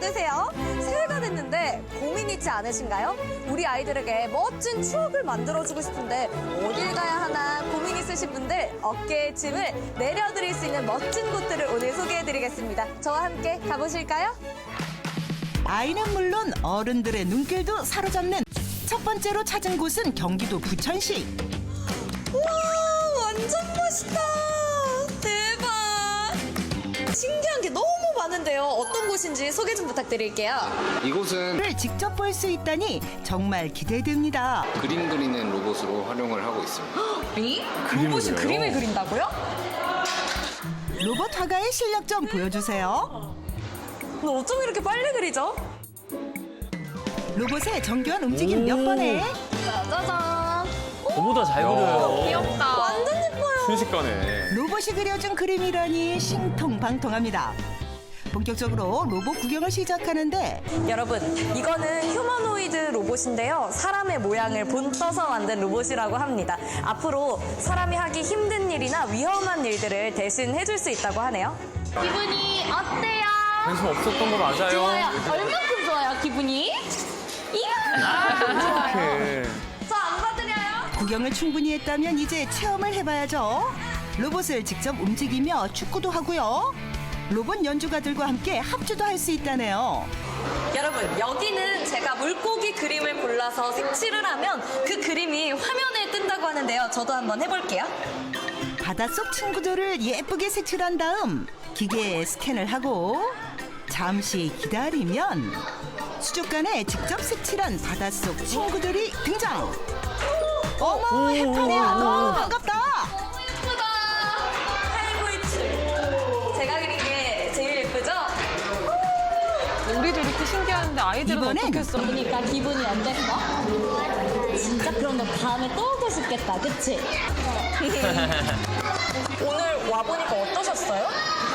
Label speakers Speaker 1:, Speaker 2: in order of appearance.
Speaker 1: 받으세요. 새해가 됐는데 고민 있지 않으신가요? 우리 아이들에게 멋진 추억을 만들어주고 싶은데 어딜 가야 하나 고민 있으신 분들 어깨에 짐을 내려드릴 수 있는 멋진 곳들을 오늘 소개해드리겠습니다. 저와 함께 가보실까요?
Speaker 2: 아이는 물론 어른들의 눈길도 사로잡는 첫 번째로 찾은 곳은 경기도 부천시.
Speaker 1: 우와, 완전 멋있다. 대박. 신기한 게 너무 많은데요. 어떤 곳인지 소개 좀 부탁드릴게요.
Speaker 3: 이곳은
Speaker 2: 를 직접 볼 수 있다니 정말 기대됩니다.
Speaker 3: 그림 그리는 로봇으로 활용을 하고 있습니다.
Speaker 1: 로봇이 그림을 그린다고요?
Speaker 2: 로봇 화가의 실력 좀 보여주세요.
Speaker 1: 근데 어쩜 이렇게 빨리 그리죠?
Speaker 2: 로봇의 정교한 움직임 몇 번에
Speaker 1: 짜자잔.
Speaker 4: 저보다 잘 그려요.
Speaker 1: 귀엽다. 완전 예뻐요.
Speaker 4: 순식간에.
Speaker 2: 로봇이 그려준 그림이라니 신통방통합니다. 본격적으로 로봇 구경을 시작하는데
Speaker 1: 여러분, 이거는 휴머노이드 로봇인데요. 사람의 모양을 본떠서 만든 로봇이라고 합니다. 앞으로 사람이 하기 힘든 일이나 위험한 일들을 대신 해줄 수 있다고 하네요.
Speaker 5: 기분이 어때요?
Speaker 4: 관심 없었던 거 맞아요.
Speaker 5: 좋아요. 얼마큼 좋아요, 기분이?
Speaker 4: 어떡해.
Speaker 1: 저 안 받으려요?
Speaker 2: 구경을 충분히 했다면 이제 체험을 해봐야죠. 로봇을 직접 움직이며 축구도 하고요. 로봇 연주가들과 함께 합주도 할 수 있다네요.
Speaker 1: 여러분, 여기는 제가 물고기 그림을 골라서 색칠을 하면 그 그림이 화면에 뜬다고 하는데요. 저도 한번 해볼게요.
Speaker 2: 바닷속 친구들을 예쁘게 색칠한 다음 기계에 스캔을 하고 잠시 기다리면 수족관에 직접 색칠한 바닷속 친구들이 등장. 어머, 해파리야, 너무 반갑다.
Speaker 1: 예쁘다. 할구이츠. 제가 그린 게 제일 예쁘죠?
Speaker 6: 우리도 이렇게 신기한데 아이들은
Speaker 2: 이번엔
Speaker 6: 어떻겠어?
Speaker 5: 그러니까 기분이 어땠어? 진짜 그럼 너 다음에 또 오고 싶겠다, 그치?
Speaker 1: 오늘 와보니까 어떠셨어요?